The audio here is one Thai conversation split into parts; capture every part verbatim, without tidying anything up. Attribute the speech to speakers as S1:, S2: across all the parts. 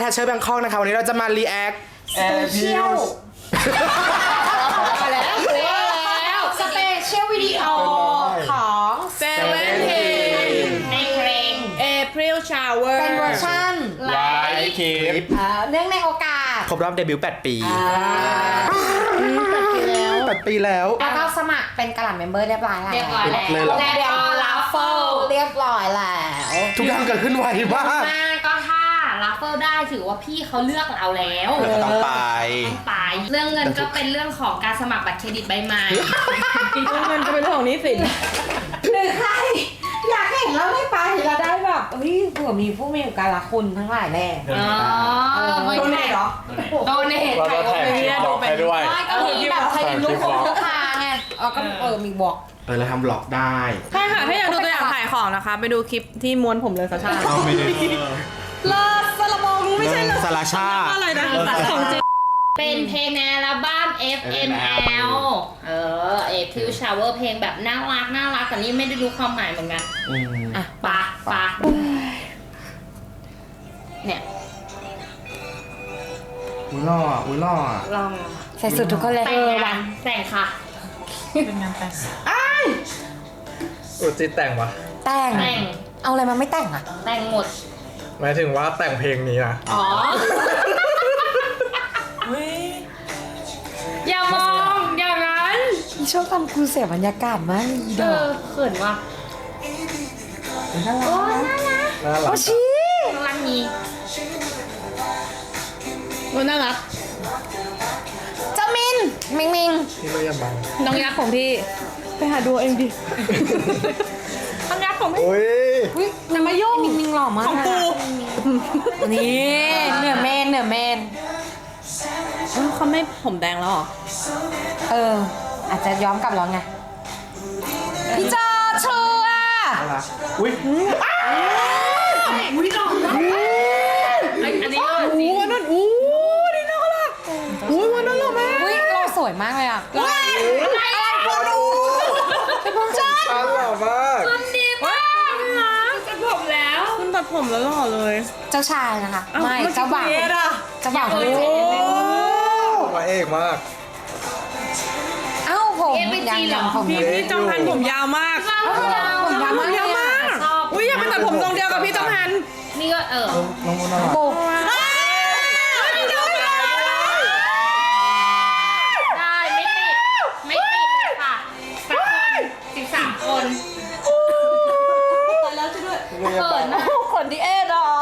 S1: ฮัชเชอร์แบงคอกนะคะวันนี้เราจะมารีแอค
S2: สเปเชียลมาแล้วแล้วสเปเชียลวิดีโอของเซเว่นทีในเพลง
S3: April Shower
S2: เป็นเวอร์ชัน
S1: ไลฟ์คลิป
S2: เนื่องในโอกาส
S1: ครบรอบเดบิวต์แปดปี
S3: แปดปีแล้ว
S1: แปดปีแล้ว
S2: แล้วก็สมัครเป็นกระหล่ำเมมเบอร์เรียบร้อยแล้ว
S3: เรียบร้อยแล้ว
S1: เลยเหรอ
S2: และเดี๋ยวลัฟเฟิลเรียบร้อยแล้ว
S1: ทุกอย่างเกิดขึ้นไวมาก
S3: มากก็ถ้าลัฟเฟิลได้ถือว่าพี่เขาเลือกเราแล้ว
S1: เราก็ต้องไป
S3: ต้องไปเรื่องเงินก็เป็นเรื่องของการสมัครบัตรเครดิตใบใหม่
S4: เงินจะเป็นเรื่องของหนี้สิน
S2: หรือใครอยากเห็นเราได้ไปเราได้แบบเฮ้ยเผื่อมีผู้มีอุปการะคุณทั้งหลายแน่
S3: อ๋อ
S2: โดเนทเหรอ
S3: โดเนท
S5: เราจะแท็กคลิปบล็อกให้ด้วย
S2: ไม่ก็มีแบบใครเป็นลูกคนลูกค้าไงเออก็เออมีบอก
S1: เออเราทำบล็อกได้
S4: ใช่ค่ะ ถ้าอยากดูตัวอย่างขายของนะคะ ไปดูคลิปที่ม้วนผมเลยสัชชา
S1: เอาไม่ได้
S4: เลิศสระบองไม่ใช่เลิศ
S1: สลาชา
S4: อะไรนะของจริง
S3: เป็นเพลงในอัลบั้ม เอฟ เอ็ม แอล เออ April Shower เพลงแบบน่ารักน่ารักแต่นี่ไม่ได้รู้ความหมายเหมือนกัน
S1: อืม
S3: อ่ะปะปะเนี่ย
S1: อุ้ยล่ออ่ะอุ้ยล่ออ่ะ
S3: ลอง
S2: ใส่สุดทุกคนเลย
S3: แต่งงานแต่งค่ะ
S5: อุจิแต่งวะ
S2: แต่ง
S3: แต่ง
S2: เอาอะไรมาไม่แต่งอ่ะ
S3: แต่งหมด
S5: หมายถึงว่าแต่งเพลงนี้นะ
S3: อ๋อ อย่ามองอย่างนั้น
S2: อีชอบทำกูเสียบรรยากาศมากอี
S3: เอ
S2: ดอ
S3: อก เขินว่ะโอ้ยน่ารัก
S5: น่ารั
S2: โอก ชิ
S3: น่ารักนี้
S4: มันน่ารัก
S2: เจ้ามินมิงมิง
S5: ที่ไม่ยบัง
S4: น้องยักษ์ของพี่ ไปหาดูเองดิน้องยักษ์ของพี่
S5: โอ้ย
S2: อุ้ยนางมาโยงมิงมิงหล่อมาก
S4: ของปู
S2: นี่เหนือเมนเหนือเมน
S4: เอ้าเขาไม่ผมแดงแล้วเหรอ
S2: เออ อาจจะย้อมกลับแล้วไงพี่จอชัว
S1: น่ารักอุ้ย
S3: อุ้ยหล่อมากอันอันนี้ก็
S4: โอ้
S3: จริง
S4: วันนั้นอู้ดีน่ารักอู้วันนั้นหล่อมาก
S2: อุ้ยเราสวยมากเลยอ่ะ
S3: อะไรอ่ะ
S2: จ้า
S5: น่ารักมาก
S3: คุณดีมากนะจะผมแล้ว
S4: คุณตัดผมแล้วหล่อเลย
S2: เจ้าชายนะคะไม่เจ้าบ่าว
S4: เอสอะ
S2: เจ้าบ่าว
S3: โอ้
S2: โอ้
S5: มาเอกมาก
S2: เอ้าผมยังยังผม
S4: พี่พี่จอมพันผมยาวมาก
S2: ผมยาว
S4: ผมยาวมาก
S3: ชอบ
S4: อุ้ยอยากไปตัดผมทรงเดียวกับพี่จอมพัน
S3: นี่ก็เออ
S5: น้องน่ารัก
S2: ปู
S3: ได้ไม่ติดไม่ติดเลยค่ะสักคนสิบสามคน
S4: ตายแล้วช่วยด้วย
S3: เขินนะ
S2: คนที่เอ็ดอ่ะ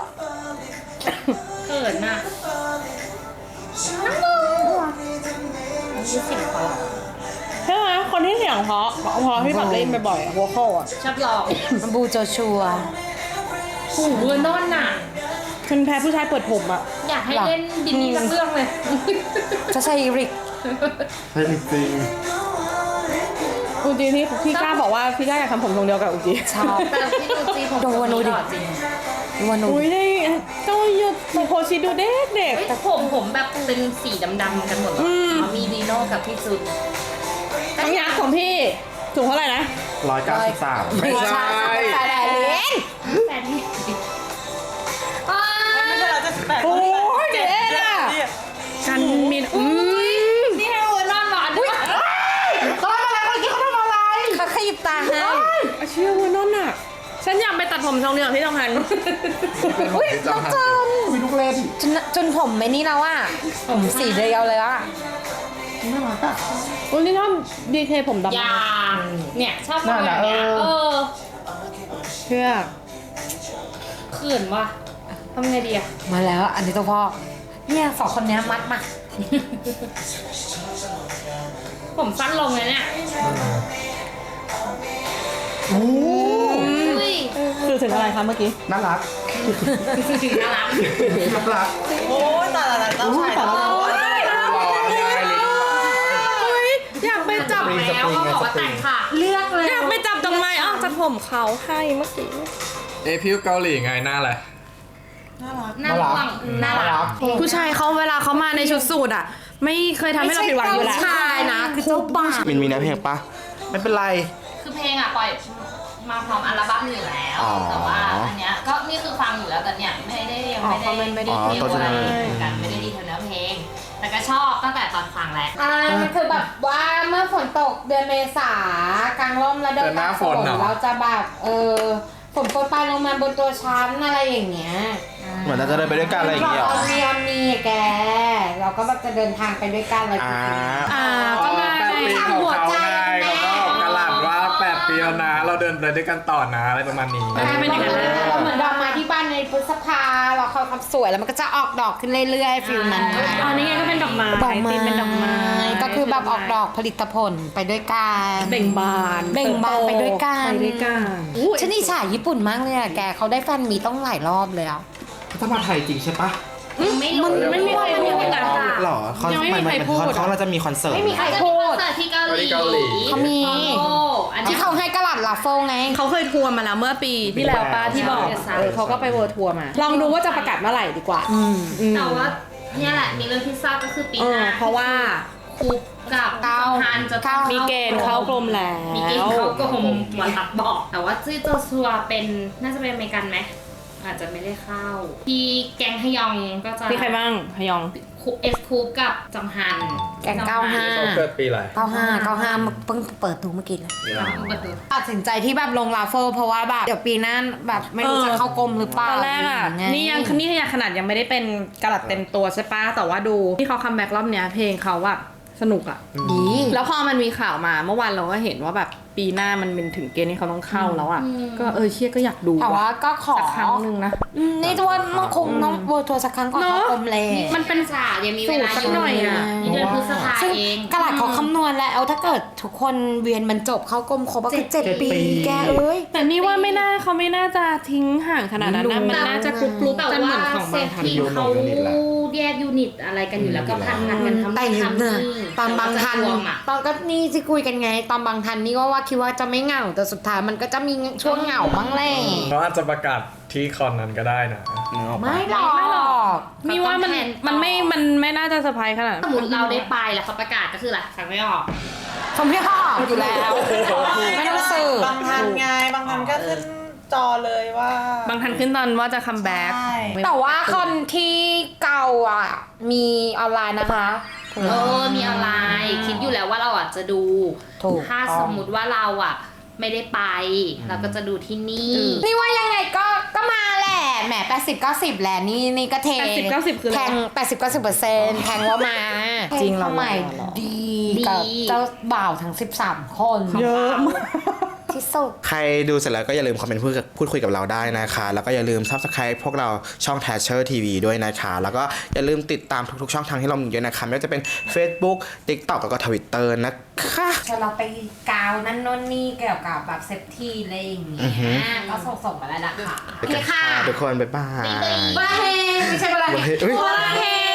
S3: เขินน่ะน้ำมูยี่สิบคน
S4: ใช่ไหมคนที่เสียงเพราะเพราะพี่แบบเล่นบ่อยๆอะหัวเข้าอะ
S3: ชอบหลอก
S2: บูโจชัว
S3: หูเบอร์นอนน่ะ
S4: ฉันแพ้ผู้ชายเปิดผมอะ
S3: อยากให้เล่นดินนี่สักเรื่องเลย
S2: เจ้าชายอีริก
S1: ใช่จริง
S4: อูจีที่พี่กล้าบอกว่าพี่กล้าอยากทำผมทรงเดียวกับอูจี
S2: ชอบ
S3: แต่ที่ดูจีผม
S2: ดูวานูดิ
S3: หล่อจริง
S2: ดูวานู
S4: อุ้ยได้เจ้าหยุดโพชิดูเด็กเด็ก
S3: เฮ้ยแต่ผมผมแบบเป็นสีดำๆกันหมดเลย
S4: อืม
S3: มีดีโน่กับพี่ซุน
S4: น้องยักษ์ของพี่สูงเท่าไหร่นะ
S1: ร้อยเก้าสิบสาม
S2: ไม่ใช่แต่แดนเลน
S3: แฟนนี่อ้า
S4: โอ้ยเด็กอะกันมีอืม
S3: นี่ให้เวอร์นอนหลอนด้วย
S1: เขาทำอะไรคนกี้เขาทำอะไร
S2: เขาขยิบตาให้
S4: เชื่อว่านนน่ะฉันอยากไปตัดผมทรงเดียวกับพี่จอมพัน
S2: อุ้ยน้องจอม
S1: มีลูกเล่น
S2: จนจนผมไม่นี่แล้วอ่ะผมสีเดียวเลยอ่ะ
S1: น่ารักอ่ะ
S4: อุ้ยนี่ชอบดีเทผมดำ
S3: อยาเนี่ยชอบคนแบบเนี้ย
S1: น่ารัก
S3: เออ
S4: เชื่อ
S3: เขินว่ะทำไงดีอะ
S2: มาแล้วอันนี้ตัวพ่อเนี่ยสองคนเนี้ยมัดมา
S3: ผมสั้นลงเลยเนี่ย
S1: โอ้
S3: อุ้ย
S4: สื่อถึงอะไรคะเมื่อกี้
S1: น่ารัก
S3: น่ารัก
S1: น่ารัก
S4: โอ้ยตายแล้วต้องใช่ตายแล้ว
S1: หล่อได้เลย
S4: อยากไปจับ
S3: แล้วเขาบอกว่าแต่งค่ะเลือกเลย
S4: อยากไปจับตรงไหนอ้าวจัดผมเขาให้เมื่อกี้
S5: เอพิวเกาหลีไงหน้าอะไร
S3: น่ารักน่ารัก
S4: ผู้ชายเขาเวลาเขามาในชุดสูทอ่ะ ไม่เคยทำให้เราผิดหวังอยู่แล้ว
S2: ไม่ใช่เจ้าชายนะคือเจ้าบ่าว
S1: มินมีนะเพลงปะไม่เป็นไร
S3: คือเพลงอะปล่อยมาพร้อมอัลบั้มอยู่แล้ว
S1: อ๋อ
S3: แต่ว่าอันเนี้ยก็นี่คือฟังอยู่แล้วแต่เนี่ยไม่ได้ยัง
S2: อ๋อ
S3: ไม่
S2: คอมเมนต์ไม่ได้
S3: ได้
S1: อ๋อ
S3: ดีเท
S1: ต้น
S3: ล
S1: ฉ
S3: อะไร
S1: บับ
S3: เหมือนกันไม่ได้ดีเทลเนื้อเพลง แต่ก็ชอบตั้งแต่ตอนฟังแหละ
S2: อ่ามันคือแบบว่าเมื่อฝนตกเดือนเมษากลางร่มแล้วเดิน
S5: เดือนหน้าฝนเหรอ
S2: เราจะแบบเออฝนโปรยปลายลงมาบนตัวฉันอะไรอย่างเงี้ย
S1: เหมือนเราจะเดินไปด้วยกันอะไรอย่างเงี้ยเหรอ
S2: เรามีอามีแก เราก็แบบจะเดินทางไปด้วยกันอะไร
S1: อ่า
S4: อ่าก็ง่าย
S5: แปดปีของเขาไงเขาก็กระหลัดว่าแปดปีแล้วนะเราเดินไปด้วยกันต่อนะอะไรประมาณนี้
S4: ใช่เป็นอย่างนั้นแหละ
S2: เราเหมือนดอกไม้ที่บ้านในพฤษภาเราคอยความสวยแล้วมันก็จะออกดอกขึ้นเรื่อยๆฟิลนั้น
S4: อ๋อนี่ไงก็เป็นดอกไม้
S2: ดอกไม้
S4: ตีมเป็นดอกไม้
S2: ก็คือแบบออกดอกผลิตผลไปด้วยกัน
S4: เบ่งบาน
S2: เบ่งบานไปด้วยกัน
S4: ไปด้วยกัน
S2: ฉันอิจฉาญี่ปุ่นมากเลยอะแกเขาได้แฟนมีต้องหลายรอบเลยอะ
S1: ถ้ามาไทยจริงใช่ปะ
S3: ไม่รู้
S4: มันไม่มีใครพูดกัน
S1: หรอเขา
S4: ยังไม่มีใคร
S1: นน
S4: พูด
S1: เขาเราจะมีคอนเสิร์ต
S2: ไม่มีใคร
S3: จะ
S2: พู
S3: มีคอน
S2: ด
S3: เสิร์ตที่เกาหลี
S5: ที่เกาหลี
S2: เขามี
S3: โอ้อันนี้
S2: ที่เขาให้กระหลัดลาโฟไง
S4: เขาเคยทัวร์มาแล้วเมื่อปีที่แล้วป้าที่บอก
S3: ใช่
S4: เออเขาก็ไปเวิร์ทัวร์มา ลองดูว่าจะประกาศเมื่อไหร่ดีกว่าอืม
S3: แต่ว่าเนี่ยแหละมีเรื่องที่ทราบก็คือปี
S4: เอ
S3: ห
S4: อ
S3: น้า
S4: เพราะว่า
S3: คุกกับ
S2: เก้า
S3: ฮันจะต้อง
S4: มีเกณฑ์เข้ากรมแล้ว
S3: มีเกณฑ์เข้ากรมหมอตัดบอก แต่ว่าจื้อโจซัวเป็นน่าจะเป็นอเมริกันไหมอาจจะไม่ได้เข้าพี่แกงฮยองก็จะ
S4: มีใครบ้างฮยอง
S3: เอสคูปกับจองฮัน
S2: แกงเก้าห้า
S5: เขาเกิดปีอะไร
S2: เก้าห้าเก้าห้าเพิ่งเปิดดูเมื่อกี้เลย
S3: จองฮันเปิดตัว
S2: ตัดสินใจที่แบบลงลาโฟเพราะว่าแบบเดี๋ยวปีหน้าแบบไม่รู้
S4: เออ
S2: จะเข้ากรมหรือเปล่า
S4: ตอนแรกอ่ะ
S2: ไ
S4: นี่ยังนี่ขนาดยังไม่ได้เป็นกระดับเต็มตัวใช่ปะแต่ว่าดูที่เขาคัมแบ็กรอบเนี้ยเพลงเขาอะสนุกอะ
S2: ดี
S4: แล้วพอมันมีข่าวมาเมื่อวานเราก็เห็นว่าแบบปีหน้ามันเป็นถึงเกณฑ์ที่เขาต้องเข้าแล้วอะก็เออเชี่ยก็อยากดู
S2: แต่ว่า
S4: ว่ะ
S2: ก็ขอ
S4: สักครั้งหนึ่งนะ
S2: อืมนี่ว่ามันคงน้องเวิร์ทัวร์สักครั้งก่อน
S4: เนอะ
S2: เข้ากรมเลย
S4: มันเป็น
S3: ศาสตร์ยังมีเวลา
S4: สูตรสักหน่อยอะ
S3: นี่เดือนพฤษภา
S2: ซึ่ง
S3: เอง
S2: กระหลัดเขาคำนวณแล้วถ้าเกิดทุกคนเวียนบรรจบเข้ากรมครบก็คือเจ็ดปี แกเอ้ย
S4: แต่นี่ว่าไม่น่าเขาไม่น่าจะทิ้งห่างขนาดนั้นนะมันน่าจะกรุ๊ปกรุ๊ป
S3: แต่
S4: กันเหมื
S3: ว่า
S4: อนของ
S3: เซ
S4: บาง
S3: ฟ
S4: ทัน
S3: ทีเขาแยกยูนิตอะไรกันอยู่แล้วก็พันงานกันทำ
S2: แต่
S3: นู่น
S2: เนี่ย
S3: ทำนี่
S2: ตอนบางทัน
S3: แต่ว่าจะรวมอะ
S2: ตอนก็นี่ที่คุยกันไง ตอนบางทันนี่ก็ว่าคิดว่าจะไม่เหงาแต่สุดท้ายมันก็จะมีช่วงเหงาบ้างแหละ
S5: เขาอาจจะประกาศที่คอนนั้นก็ได้นะ
S1: นึกออกปะ
S2: ไม่หรอก
S4: ไม่หรอก นี่ว่ามัน
S3: เขาต้องแทนต่อ
S4: มันไม่มันไม่น่าจะเซอร์ไพรส์ขนาดนั้น
S3: สมมติเราได้ไปแล้วเขาประกาศก็คืออะไรฟังไม่ออก
S2: ผมไม่ออกอยู่แล้ว ไม่ต้องสื่อบ
S6: างทันไงบางทันก็ขึ้นจอเลยว่า
S4: บางทันขึ้นตอนว่าจะคัมแบ็ก
S6: ใช่
S2: แต่ว่าคนที่เก่าอ่ะ มีออนไลน์นะคะ
S3: เออ มีออนไลน์คิดอยู่แล้วว่าเราอ่ะจะดู
S2: ถูก
S3: ถ้าสมมุติว่าเราอ่ะ ไม่ได้ไป เราก็จะดูที่นี่
S2: นี่ว่ายังไงก็ก็มาแหละแหมแปดสิบเก้าสิบแหละนี่นี่ก็เท
S4: แปดสิบเก้าสิบคืออะไร
S2: แทงแปดสิบเก้าสิบเปอร์เซ็นต์แทงว่ามา
S4: จริงเหรอ
S2: สมัยดี
S3: ดี
S2: กับเจ้าบ่าวทั้งสิบสามคน
S4: เยอะมาก
S2: ที่สุด
S1: ใครดูเสร็จแล้วก็อย่าลืมคอมเมนต์พูดกับพูดคุยกับเราได้นะคะ แล้วก็อย่าลืม Subscribe พวกเราช่อง Thatcher ที วี ด้วยนะคะ แล้วก็อย่าลืมติดตามทุกๆช่องทางที่เรามีด้วยนะคะไม่ว่าจะเป็น Facebook TikTok แล้วก็ Twitter นะคะ
S2: ชวนเราไปกาวนั่นโน่นนี่เกี่ยวกับแบบเซฟตี้อะไรอย่างเงี้
S1: อือฮึ
S2: ยก็ส่งส่งๆมาแล้วนะคะ
S1: ไปกันค่ะทุกคน บ๊ายบาย
S2: บาเฮไม่ใช่บาเฮ
S1: เฮ้ย
S2: บาเฮ